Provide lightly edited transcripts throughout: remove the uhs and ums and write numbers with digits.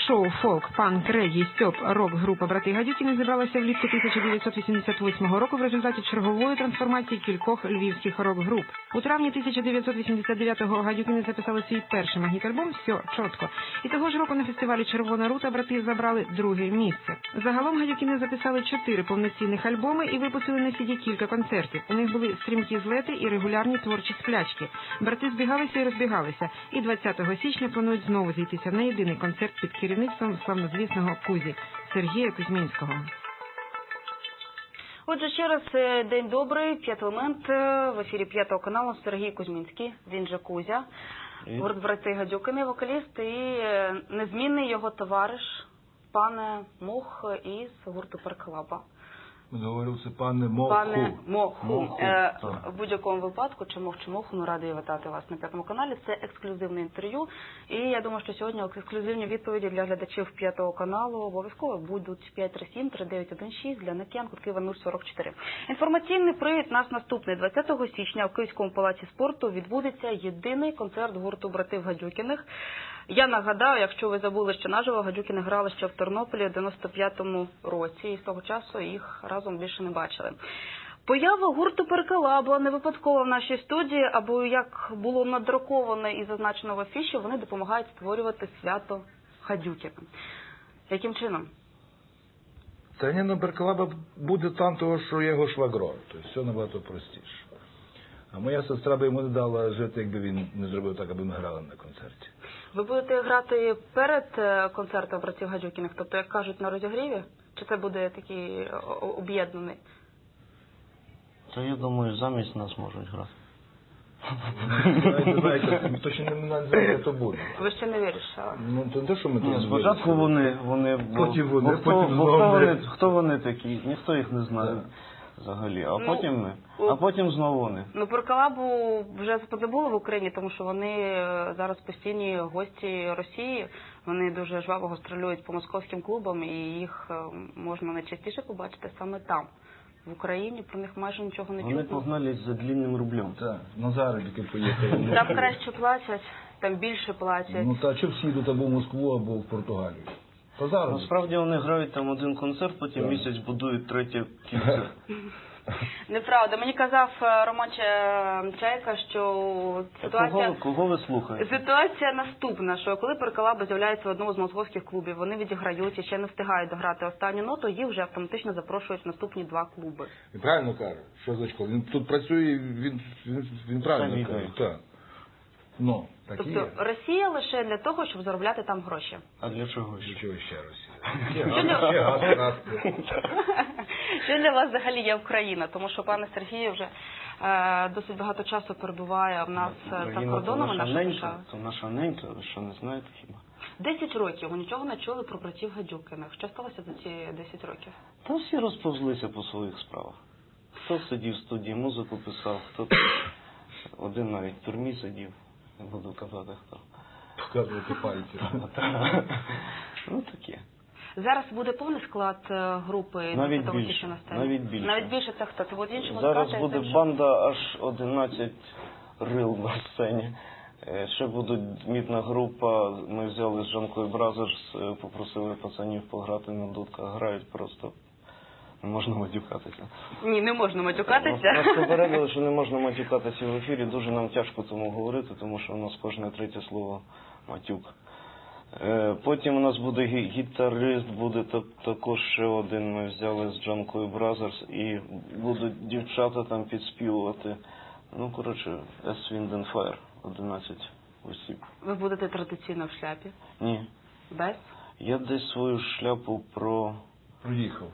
Шоу, фолк, панк, регі, стьоп, рок-група «Брати Гадюкіни» зібралася влітку 1988 року в результаті чергової трансформації кількох львівських рок-груп. У травні 1989-го Гадюкіни записали свій перший магніт-альбом «Все чітко». І того ж року на фестивалі «Червона рута» брати забрали друге місце. Загалом Гадюкіни записали 4 повноцінних альбоми і випустили на CD кілька концертів. У них були стрімкі злети і регулярні творчі сплячки. Брати збігалися і розбігалися. І 20 січня планують знову зійтися на єдиний концерт під керівництвом славнозвісного Кузі Сергія Кузьмінського. Отже, ще раз день добрий, «П'ятий елемент», в ефірі «П'ятого каналу» Сергій Кузьмінський, він же Кузя, гурт «Брати Гадюкіни», вокаліст і незмінний його товариш, пане Мох із гурту «Перколаба». Говорив, це пане Моху. Пане Моху. В будь-якому випадку, чи Моху, ми раді вітати вас на П'ятому каналі. Це ексклюзивне інтерв'ю. І я думаю, що сьогодні ексклюзивні відповіді для глядачів П'ятого каналу обов'язково будуть 537-3916 для Накіян, Києва 044. Інформаційний привід наш наступний. 20 січня в Київському палаці спорту відбудеться єдиний концерт гурту «Братів Гадюкіних». Я нагадаю, якщо ви забули, що наживо Гадюкіни грали ще в Тернополі в 95-му році, і з того часу їх разом більше не бачили. Поява гурту «Перколаба» не випадково в нашій студії, або як було надруковано і зазначено в афіші, вони допомагають створювати свято Гадюкінам. Яким чином? Та ні, ну «Перколаба» буде там того, що є його швагро, тобто все набагато простіше. А моя сестра би йому не дала жити, якби він не зробив так, аби ми грали на концерті. Ви будете грати перед концертом «Братів Гадюкіних», тобто, як кажуть, на розігріві? Чи це буде такий об'єднаний? Та я думаю, замість нас можуть грати. Точно не знаю, хто буде. Ви ще не вирішили? Ну, то не те, що ми тут Спочатку вони, потім вони, хто вони такі, ніхто їх не знає взагалі, а потім ми, а потім знову вони. Ну, «Перколабу» вже позабули в Україні, тому що вони зараз постійні гості Росії, вони дуже жваво гастролюють по московським клубам, і їх можна найчастіше побачити саме там. В Україні про них майже нічого не чутно. Вони погнались за длинним рублем. Так, на заробітки поїхали. Там краще платять, там більше платять. Ну, та що всі йдуть або в Москву, або в Португалію? По заробітку. Насправді вони грають там один концерт, потім місяць будують третє кільце. Неправда. Мені казав Роман Чайка, що ситуація... Кого ви слухаєте? Ситуація наступна, що коли «Перколаба» з'являється в одному з московських клубів, вони відіграють і ще не встигають дограти останню ноту, їх вже автоматично запрошують в наступні 2 клуби. Він правильно каже, що Зачко, він тут працює, він правильно каже. Так. Ну, так і є. Тобто Росія лише для того, щоб заробляти там гроші. А для чого? Для чого ще Росія? Що для вас взагалі є Україна? Тому що пане Сергію вже досить багато часу перебуває в нас за кордонами нашої держави. Це наша ненька, ви що, не знаєте хіба? 10 років ви нічого не чули про братів Гадюкіних. Що сталося за ці 10 років? Та всі розповзлися по своїх справах. Хто сидів в студії, музику писав, хто один навіть в тюрмі сидів. Не буду казати хто. Показувати пальці. Ну таке. Зараз буде повний склад групи? Навіть більше. Навіть більше це хто? Це будуть інші зараз буде банда аж 11 рил на сцені. Ще буде мітна група. Ми взяли з Джанкою Бразерс, попросили пацанів пограти на дудках. Грають просто. Не можна матюкатися. Ні, не можна матюкатися. Нас попередили, що не можна матюкатися в ефірі. Дуже нам тяжко тому говорити, тому що у нас кожне третє слово матюк. Потім у нас буде гітарист, буде також ще один. Ми взяли з Джанкою Бразерс і будуть дівчата там підспівувати. Ну, коротше, Wind and Fire, 11 осіб. Ви будете традиційно в шляпі? Ні. Без? Я десь свою шляпу Проїхав.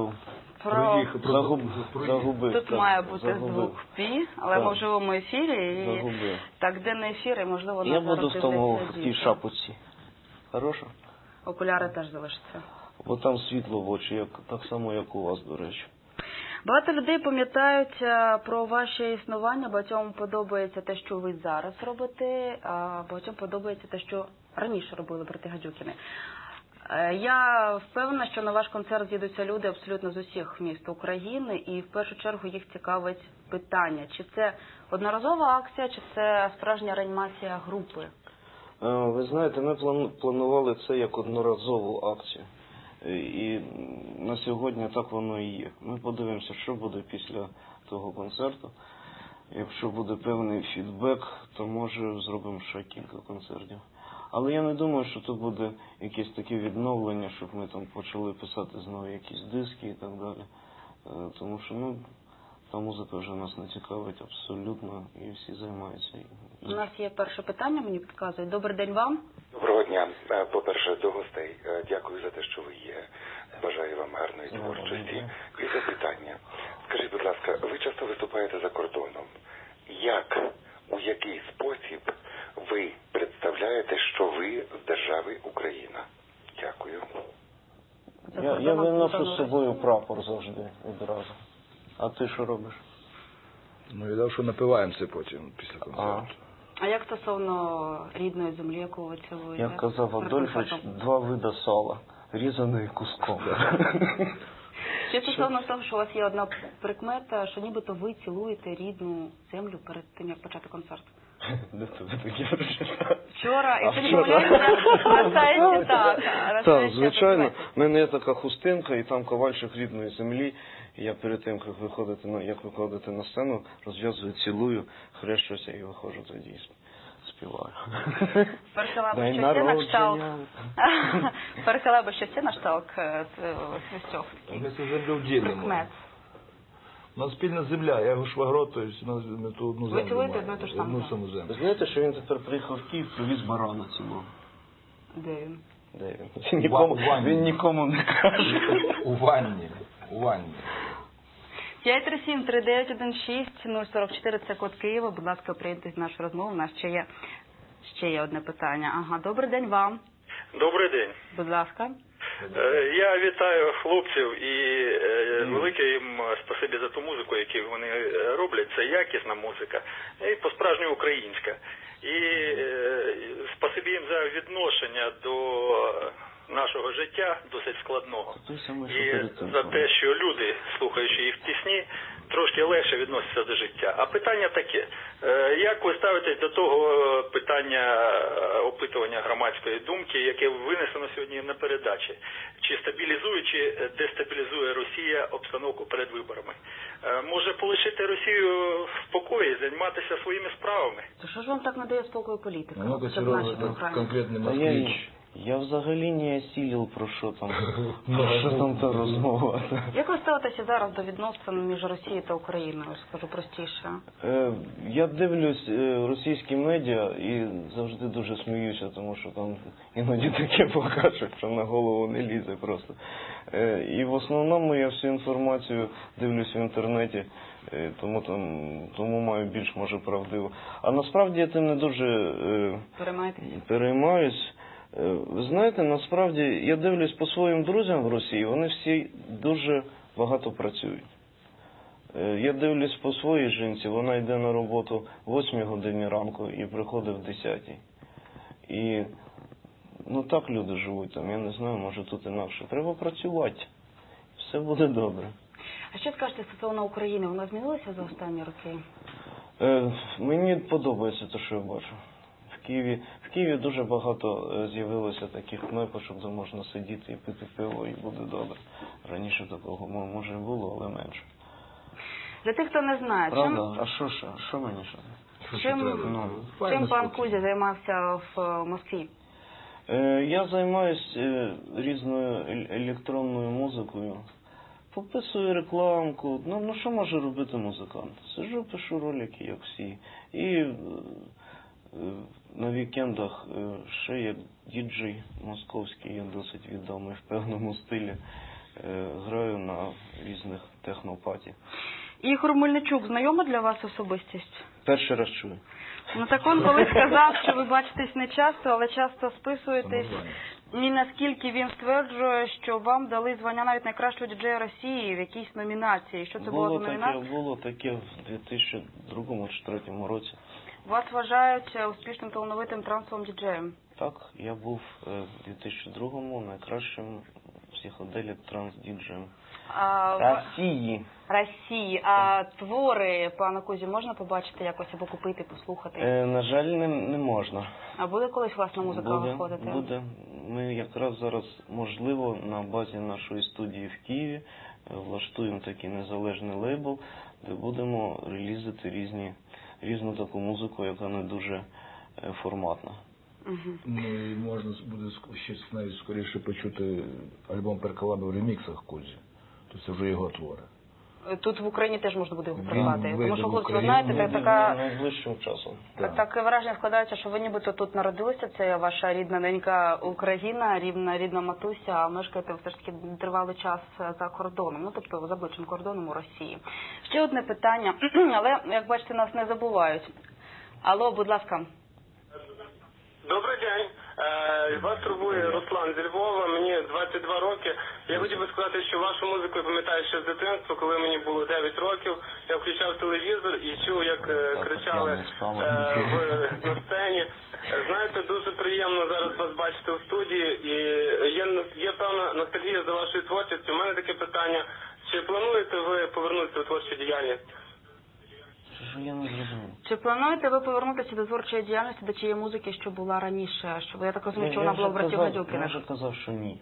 Загубив. Тут має бути звук «пі», але ми в живому ефірі. І так, денний ефір, і можливо я буду в тій шапочці. Хорошо? Окуляри теж залишаться. Бо там світло в очі, так само, як у вас, до речі. Багато людей пам'ятають про ваше існування, багатьом подобається те, що ви зараз робите, а багатьом подобається те, що раніше робили брати Гадюкіни. Я впевнена, що на ваш концерт з'їдуться люди абсолютно з усіх міст України, і в першу чергу їх цікавить питання, чи це одноразова акція, чи це справжня реанімація групи? Ви знаєте, ми планували це як одноразову акцію. І на сьогодні так воно і є. Ми подивимося, що буде після того концерту. Якщо буде певний фідбек, то може зробимо ще кілька концертів. Але я не думаю, що то буде якесь таке відновлення, щоб ми там почали писати знову якісь диски і так далі. Тому що, та музика вже нас не цікавить абсолютно, і всі займаються. У нас є перше питання, мені підказують. Добрий день вам. Доброго дня. По-перше, до гостей. Дякую за те, що ви є. Бажаю вам гарної творчості. І запитання. Скажіть, будь ласка, ви часто виступаєте за кордоном. У який спосіб ви представляєте, що ви з держави Україна? Дякую. Я виношу з собою прапор завжди, відразу. А ти що робиш? Я що напиваємося потім після концерту. А як стосовно рідної землі, яку ви цілуєте? Як казав Адольфович, 2 види сала, різаний куском. Ще стосовно того, що у вас є одна прикмета, що нібито ви цілуєте рідну землю перед тим, як почати концерт. Де тебе таке прочитав? Вчора, якщо не помиляюся, на сайті так. Так, звичайно. В мене є така хустинка, і там ковальчик рідної землі. І я перед тим, як виходити на сцену, розв'язую, цілую, хрещуся і виходжу тоді і співаю. Перехилаби ще це на шталк свистьох. Ми це землю ділимо. У нас спільна земля, я його швагро, то ми ту одну землю. Ви цілуєте одну ту ж саму землю. Ви знаєте, що він тепер приїхав в Київ, привіз барана цілого? Де він? Де він? Він нікому не каже. У ванні. 537-3916-044, це код Києва. Будь ласка, приєднуйтесь до нашої розмови. У нас ще є одне питання. Ага, добрий день вам. Добрий день. Будь ласка. Я вітаю хлопців і велике їм спасибі за ту музику, яку вони роблять. Це якісна музика і по-справжньому українська. І спасибі їм за відношення до нашого життя, досить складного. І за те, що люди, слухаючи їх пісні, трошки легше відносяться до життя. А питання таке. Як ви ставитесь до того питання опитування громадської думки, яке винесено сьогодні на передачі? Чи стабілізує, чи дестабілізує Росія обстановку перед виборами? Може полишити Росію в спокої, займатися своїми справами? То що ж вам так не дає спокою політика? Ну-ка, Сережа, конкретний москвич. Я взагалі не осілив, про що там та розмова. Як ви ставитеся зараз до відносин між Росією та Україною, скажу простіше? Я дивлюсь російські медіа і завжди дуже сміюся, тому що там іноді таке покажуть, що на голову не лізе просто. І в основному я всю інформацію дивлюсь в інтернеті, тому маю більш, може, правдиво. А насправді я тим не дуже переймаюсь. Ви знаєте, насправді, я дивлюсь по своїм друзям в Росії, вони всі дуже багато працюють. Я дивлюсь по своїй жінці, вона йде на роботу в 8 годині ранку і приходить в 10. І, так люди живуть там, я не знаю, може тут інакше. Треба працювати, все буде добре. А що скажете стосовно України, вона змінилася за останні роки? Мені подобається те, що я бачу. В Києві дуже багато з'явилося таких кнопочок, де можна сидіти і пити пиво, і буде добре. Раніше такого, може, і було, але менше. Для тих, хто не знає, правда? А що мені ще? Чим пан Кузя займався в Москві? Я займаюся різною електронною музикою. Пописую рекламку. Що може робити музикант? Сиджу, пишу ролики, як всі. І на вікендах ще як діджей московський, я досить відомий в певному стилі. Граю на різних технопаті. Ігор Мельничук знайома для вас особистість? Перший раз чую. Так він колись сказав, що ви бачитесь не часто, але часто списуєтесь. І наскільки він стверджує, що вам дали звання навіть найкращого діджея Росії в якійсь номінації. Що це було за номінація? Було таке в 2002-2003 році. Вас вважають успішним талановитим трансовим діджеєм? Так, я був в 2002-му найкращим в психоделік, транс-діджеєм. А, Росії. А твори пана Кузі можна побачити якось або купити, послухати? На жаль, не можна. А буде колись власна музика виходити? Буде. Ми якраз зараз, можливо, на базі нашої студії в Києві влаштуємо такий незалежний лейбл, де будемо релізити різну таку музику, яка не дуже форматна. Ну і можна буде ще навіть скоріше почути альбом Перколаби в реміксах Кузі. Тобто це вже його твори. Тут в Україні теж можна буде його придбати. вийде Тому що, в хлопці, ви Україну. знаєте, така... Найближчим часом. Таке враження складається, що ви нібито тут народилися, це ваша рідна ненька Україна, рідна матуся, а мешкаєте все ж таки тривалий час за кордоном, ну тобто за ближчим кордоном у Росії. Ще одне питання, але, як бачите, нас не забувають. Алло, будь ласка. Добрий день. Вас турбує Руслан зі Львова, мені 22 роки. Я хотів би сказати, що вашу музику я пам'ятаю ще з дитинства, коли мені було 9 років. Я включав телевізор і чув, як кричали на сцені. Знаєте, дуже приємно зараз вас бачити у студії. І є певна ностальгія за вашою творчістю. У мене таке питання. Чи плануєте ви повернутися у творчу діяльність? Я не зрозумів. Чи плануєте ви повернутися до творчої діяльності, до тієї музики, що була раніше? Що я так розумію, що вона була в братів Гадюкіних? Я вже казав, що ні.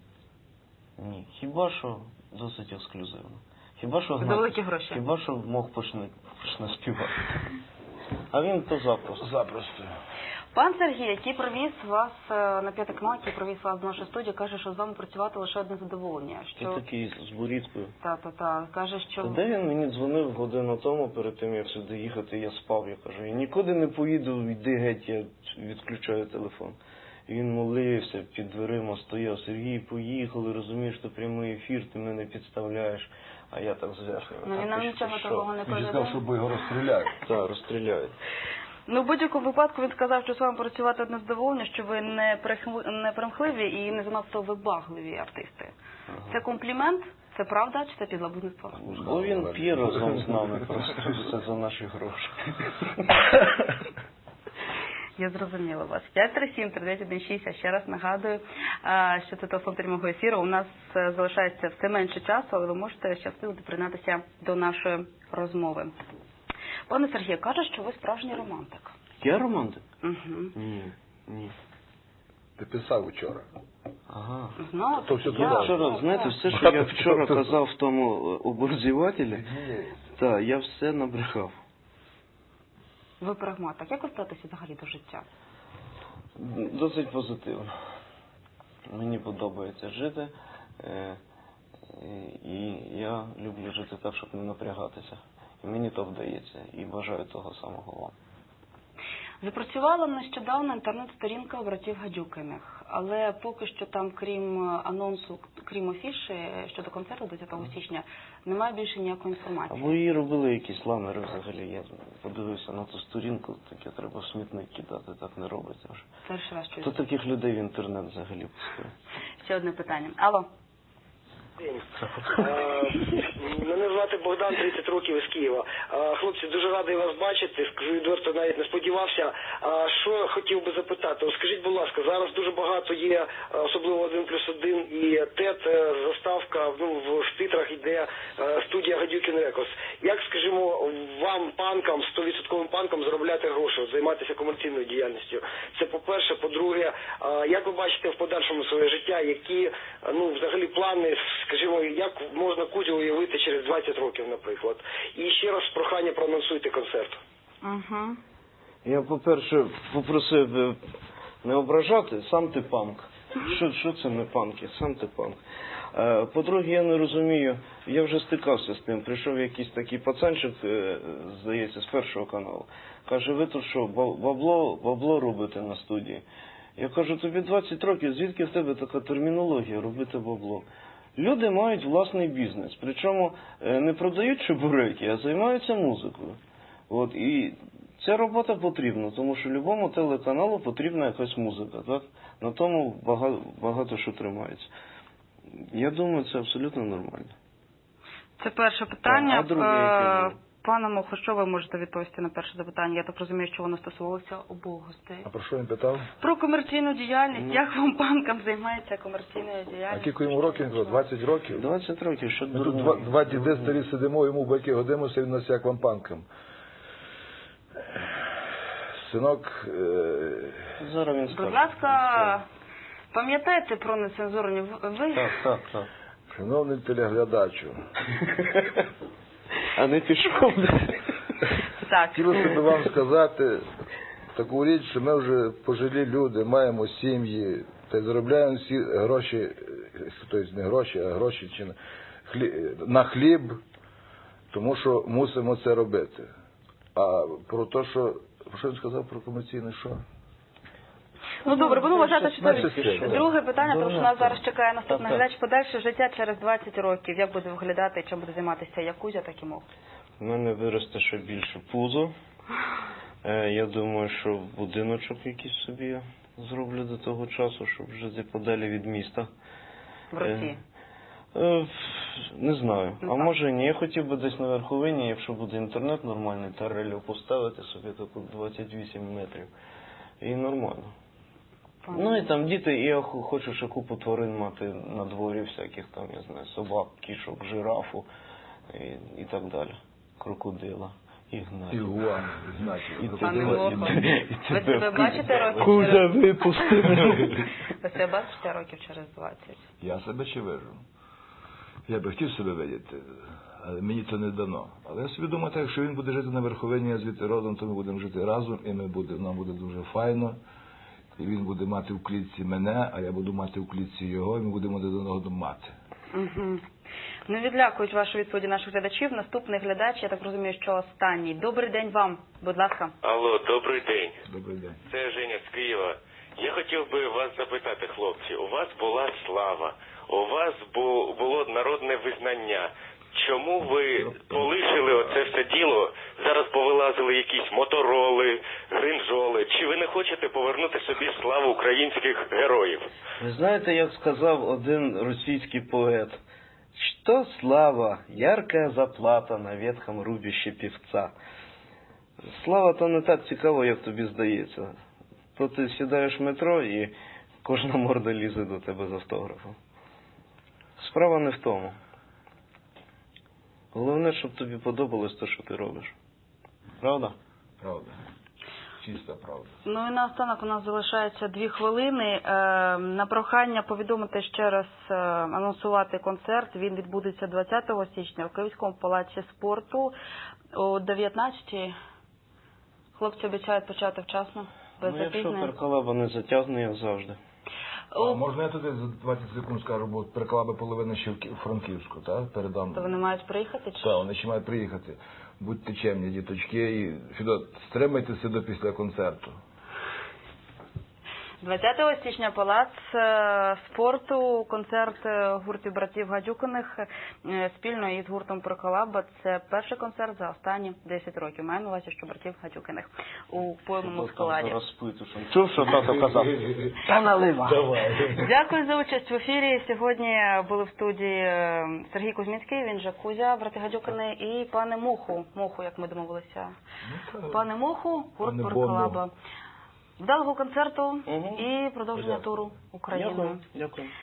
Ні. Хіба що досить ексклюзивно. Хіба що За великі гроші. Хіба що мог почне співати. А він то запросто. Запросто. Пан Сергій, який привіз вас на П'ятий канал, який привіз вас до нашої студії, каже, що з вами працювати лише одне задоволення. Ти такий з борідкою. Та. Каже, що... Та де він мені дзвонив годину тому, перед тим, як сюди їхати, я спав. Я кажу, я нікуди не поїду, йди геть, я відключаю телефон. І він молився, під дверима стояв. Сергій, поїхали, розумієш, що прямий ефір, ти мене підставляєш. А я так зверху. Ну він нам нічого такого не Він сказав, повідомив. що його розстріляють. Так, розстріляють. Ну, в будь-якому випадку він сказав, що з вами працювати одне задоволення, що ви не примхливі і не занадто вибагливі артисти. Це комплімент? Це правда чи це підлабузництво? Бо він п'є разом з нами, просто все за наші гроші. Я зрозуміла вас. 537-3916. А ще раз нагадую, що це телефон прямого ефіру. У нас залишається все менше часу, але ви можете ще встигнути приєднатися до нашої розмови. Пане Сергію, каже, що ви справжній романтик. Я романтик? Угу. Ні. Ти писав вчора. Ага. Ну, То все Я туди. вчора, знаєте, все, що я вчора казав в тому оборзівателі, так, я все набрехав. Ви прагматик. Як ви ставитеся взагалі до життя? Досить позитивно. Мені подобається жити, і я люблю жити так, щоб не напрягатися. І мені то вдається, і бажаю того самого вам. Запрацювала нещодавно інтернет-сторінка братів Гадюкиних, але поки що там, крім анонсу, крім афіші щодо концерту 10 січня, немає більше ніякої інформації. Або її робили якісь ламери взагалі. Я подивився на ту сторінку, таке треба в смітник кидати, так не робиться вже. Перший раз чую. Хто таких людей в інтернет взагалі пускає? Ще одне питання. Алло. Мене звати Богдан, 30 років із Києва. Хлопці, дуже радий вас бачити. Скажу відверто, навіть не сподівався. Що хотів би запитати? Скажіть, будь ласка, зараз дуже багато є, особливо 1+1 і ТЕТ, заставка, в титрах йде студія Гадюкін Рекордс. Як, скажімо, вам, панкам, 100% панкам заробляти гроші, займатися комерційною діяльністю? Це по-перше. По-друге, як ви бачите в подальшому своє життя, які, взагалі плани, скажімо, як можна Кузю уявити через 20 років, наприклад? І ще раз прохання, проанонсуйте концерт. Угу. Я, по-перше, попросив би не ображати, сам ти панк. Що це не панки? Сам ти панк. По-друге, я не розумію, я вже стикався з тим. Прийшов якийсь такий пацанчик, здається, з Першого каналу. Каже, ви тут що, бабло робите на студії? Я кажу, тобі 20 років, звідки в тебе така термінологія робити бабло? Люди мають власний бізнес, причому не продають чебуреки, а займаються музикою. От, і ця робота потрібна, тому що любому телеканалу потрібна якась музика, так? На тому багато що тримається. Я думаю, це абсолютно нормально. Це перше питання. А друге, яке? Пане Мохо, що ви можете відповісти на перше запитання? Я так розумію, що воно стосувалося обох гостей. А про що він питав? Про комерційну діяльність. Як вам банкам займається комерційною А діяльністю? кілько йому років? 20 років? 20 років, що Ми тут дурно. два діди старі сидимо, йому батьки годимося, він нас як вампанкам. Синок, Зараз він скаже. Будь ласка, пам'ятайте про нецензурні Так. шановний телеглядачу, А не пішов. Так. хотілося б вам сказати таку річ, що ми вже пожилі люди, маємо сім'ї, та й заробляємо всі гроші, тобто не гроші, а гроші чи на хліб, тому що мусимо це робити. А про те, що він сказав про комерційне що? Ну добре, буду вважати, що Значить, це все. друге питання, тому що нас зараз чекає наступний Так. глядач. Подальше життя через 20 років. Як буде виглядати, чим буде займатися як Кузя, так і Мох? У мене виросте ще більше пузо. Я думаю, що будиночок якийсь собі зроблю до того часу, щоб жити подалі від міста. В Росії. Не знаю. Ну, А так. може ні. Я хотів би десь на верховині, якщо буде інтернет нормальний, тарелю поставити собі таку 28 метрів. І нормально. Ну і там діти, і я хочу ще купу тварин мати на дворі всяких там, я знаю, собак, кішок, жирафу і так далі. Крокодила, ігнатів. Ігуан, значить. Пане Мохо, ви себе бачите років Кузя через... випусти. Ви себе бачите років через 20? Я себе ще вижу. Я би хотів себе видіти, але мені це не дано. Але я собі думаю, так, якщо він буде жити на верховині, я звідти родом, то ми будемо жити разом, і нам буде дуже файно. І він буде мати в клітці мене, а я буду мати в клітці його, і ми будемо один одного мати. Угу. Не відлякують вашу відповіді наших глядачів. Наступний глядач, я так розумію, що останній. Добрий день вам, будь ласка. Алло, добрий день. Добрий день. Це Женя з Києва. Я хотів би вас запитати, хлопці, у вас була слава, у вас було народне визнання. Чому ви полишили оце все діло, зараз повилазили якісь мотороли, гринжоли? Чи ви не хочете повернути собі славу українських героїв? Ви знаєте, як сказав один російський поет? Что слава, яркая заплата на ветхом рубище певца. Слава то не так цікаво, як тобі здається. То ти сідаєш в метро і кожна морда лізе до тебе з автографом. Справа не в тому. Головне, щоб тобі подобалось те, що ти робиш. Правда? Правда. Чиста правда. Ну і наостанок у нас залишається 2 хвилини. На прохання повідомити ще раз, анонсувати концерт. Він відбудеться 20 січня у Київському палаці спорту о 19-й. Хлопці обіцяють почати вчасно, без Ну, якщо запізнень. перкалаба не затягне, як завжди. А можна я туди за 20 секунд скажу, бо переклала половина ще в Франківську, так? Передам. То вони мають приїхати? Чи? Так, вони ще мають приїхати. Будьте чемні, діточки, і Фідот, стримайтеся до після концерту. 20 січня палац спорту, концерт гуртів братів Гадюкиних спільно із гуртом Проколаба. Це перший концерт за останні 10 років. Маю на увазі, що братів Гадюкиних у повному складі. Чув, що тато казав? Та налива. Дякую за участь в ефірі. Сьогодні були в студії Сергій Кузьмінський, він же Кузя, брати Гадюкини, і пане Моху, як ми домовилися. Пане Моху, гурт Проколаба. Вдалого концерту і продовження туру Україною. Дякую.